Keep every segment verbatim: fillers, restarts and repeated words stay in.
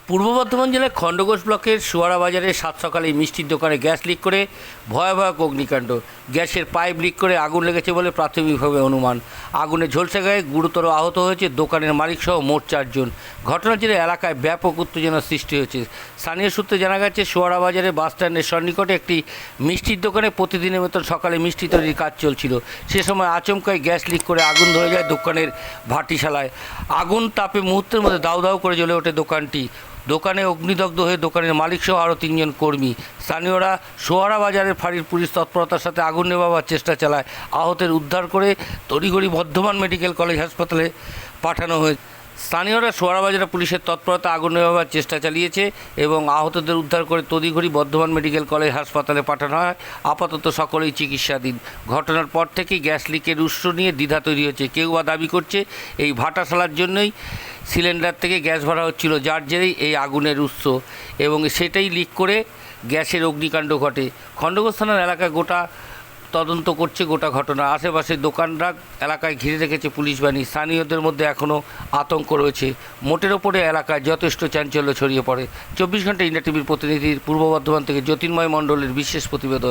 পূর্ব বর্ধমান জেলার খণ্ডঘোষ ব্লকের সুয়ারা বাজারে সাত সকালে মিষ্টির দোকানে গ্যাস লিক করে ভয়াবহ অগ্নিকাণ্ড। গ্যাসের পাইপ লিক করে আগুন লেগেছে বলে প্রাথমিকভাবে অনুমান। আগুনে ঝলসে গায়ে গুরুতর আহত হয়েছে দোকানের মালিকসহ মোট চারজন। ঘটনার জেরে এলাকায় ব্যাপক উত্তেজনার সৃষ্টি হয়েছে। স্থানীয় সূত্রে জানা গেছে, সুয়ারা বাজারে বাস স্ট্যান্ডের সন্নিকটে একটি মিষ্টির দোকানে প্রতিদিনের মতন সকালে মিষ্টি তৈরির কাজ চলছিল। সে সময় আচমকাই গ্যাস লিক করে আগুন ধরে যায় দোকানের ভাটিশালায়। আগুন তাপে মুহূর্তের মধ্যে দাউ দাউ করে জ্বলে ওঠে দোকানটি। দোকানে অগ্নিদগ্ধ হয়ে দোকানের মালিকসহ আরও তিনজন কর্মী। স্থানীয়রা সোয়ারা বাজারের ফাঁড়ির পুলিশ তৎপরতার সাথে আগুন নেভাবার চেষ্টা চালায়। আহতের উদ্ধার করে তড়িঘড়ি বর্ধমান মেডিকেল কলেজ হাসপাতালে পাঠানো হয়েছে। স্থানীয়রা সোয়ারা বাজারে পুলিশের তৎপরতা আগুন নেভাবার চেষ্টা চালিয়েছে এবং আহতদের উদ্ধার করে তড়িঘড়ি বর্ধমান মেডিকেল কলেজ হাসপাতালে পাঠানো হয়। আপাতত সকলেই চিকিৎসাধীন। ঘটনার পর থেকেই গ্যাস লিকের উৎস নিয়ে দ্বিধা তৈরি হচ্ছে। কেউ বা দাবি করছে এই ভাটাশালার জন্যই সিলিন্ডার থেকে গ্যাস ভরা হচ্ছিল, যার জেরেই এই আগুনের উৎস এবং সেটাই লিক করে গ্যাসের অগ্নিকাণ্ড ঘটে। খণ্ডঘোষ থানার এলাকায় গোটা তদন্ত করছে গোটা ঘটনা। আশেপাশে দোকানরা এলাকায় ঘিরে রেখেছে পুলিশ বাহিনী। স্থানীয়দের মধ্যে এখনও আতঙ্ক রয়েছে। মোটের ওপরে এলাকায় যথেষ্ট চাঞ্চল্য ছড়িয়ে পড়ে। চব্বিশ ঘন্টা ইন্ডিয়া টিভির প্রতিনিধির পূর্ব বর্ধমান থেকে জ্যোতির্ময় মণ্ডলের বিশেষ প্রতিবেদন।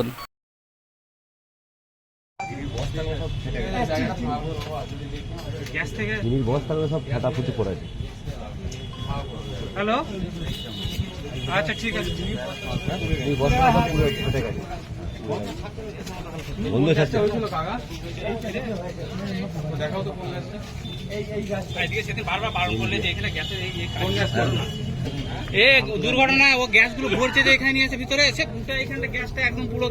হ্যালো, আচ্ছা ঠিক আছে। দুর্ঘটনা ও গ্যাসগুলো ভরছে যে এখানে নিয়ে এসে ভিতরে এসে এখানটা গ্যাসটা একদম পুরো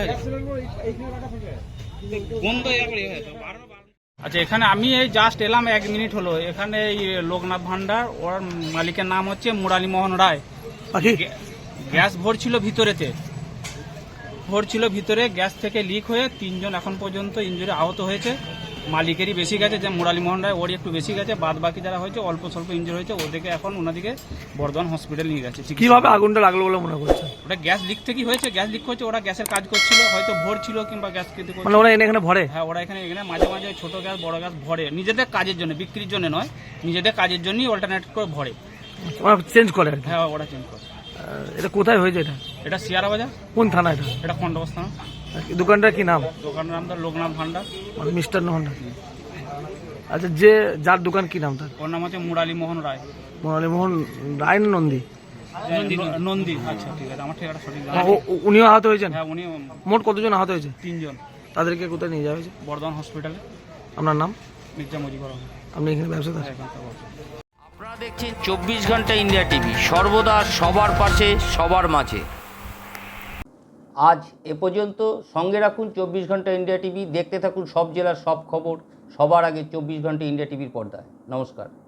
বন্ধ হয়ে যাবে। আচ্ছা, এখানে আমি এই জাস্ট এলাম, এক মিনিট হলো। এখানে এই লোকনাথ ভান্ডার, ওর মালিকের নাম হচ্ছে মুরালী মোহন রায়। গ্যাস ভরছিল ভিতরেতে ভরছিল ভিতরে গ্যাস থেকে লিক হয়ে তিনজন এখন পর্যন্ত ইনজুরি আহত হয়েছে। মালিকেরই বেশি গেছে, যে মুরালী মোহন রায়, ওরই একটু বেশি গেছে। বাদ বাকি যারা হয়েছে অল্প স্বল্প ইনজুরি হয়েছে, ওদেরকে এখন ওনাদিকে বর্ধমান হসপিটাল নিয়ে গেছে। কিভাবে আগুনটা লাগলো বলে মনে করছে? ওটা গ্যাস লিক থেকেই হয়েছে। গ্যাস লিক হয়েছে, ওরা গ্যাসের কাজ করছিল, হয়তো ভরছিল কিংবা গ্যাস খেতে করছিল। মানে ওরা এনে এখানে ভরে? হ্যাঁ, ওরা এখানে এখানে মাঝে মাঝে ছোট গ্যাস বড় গ্যাস ভরে, নিজেদের কাজের জন্য, বিক্রির জন্য নয়, নিজেদের কাজের জন্যই অল্টারনেট করে ভরে। ওরা চেঞ্জ করে আর কি? হ্যাঁ, ওরা চেঞ্জ করে। এটা কোথায় হয়েছে? এটা এটা শিয়ারা বাজার। কোন থানা এটা? এটা খণ্ডঘোষ থানা। দোকানটার কি নাম? দোকানের নাম তার লোকনাথ ভান্ডার, মানে মিষ্টান্ন ভান্ডার। আচ্ছা, যে যার দোকান কি নাম তার? ওর নাম হচ্ছে মুরালী মোহন রায়। মুরালী মোহন রায় না নন্দী? নন্দী। আচ্ছা ঠিক আছে, আমার ঠিকানা সঠিক। উনিও আহত হয়েছেন? হ্যাঁ, উনি। মোট কতজন আহত হয়েছে? তিনজন। তাদেরকে কোথায় নিয়ে যাওয়া হয়েছে? বর্ধমান হসপিটালে। আপনার নাম? মির্জা মুজিবুর রহমান। আপনি এখানে ব্যবসাদার? আপনারা দেখছেন চব্বিশ ঘন্টা ইন্ডিয়া টিভি, সর্বদা সবার পাশে, সবার মাঝে। আজ এ পর্যন্ত। সঙ্গে রাখুন চব্বিশ ঘন্টা ইন্ডিয়া টিভি। দেখতে থাকুন সব জেলার সব খবর সবার আগে চব্বিশ ঘন্টা ইন্ডিয়া টিভির পর্দায়। নমস্কার।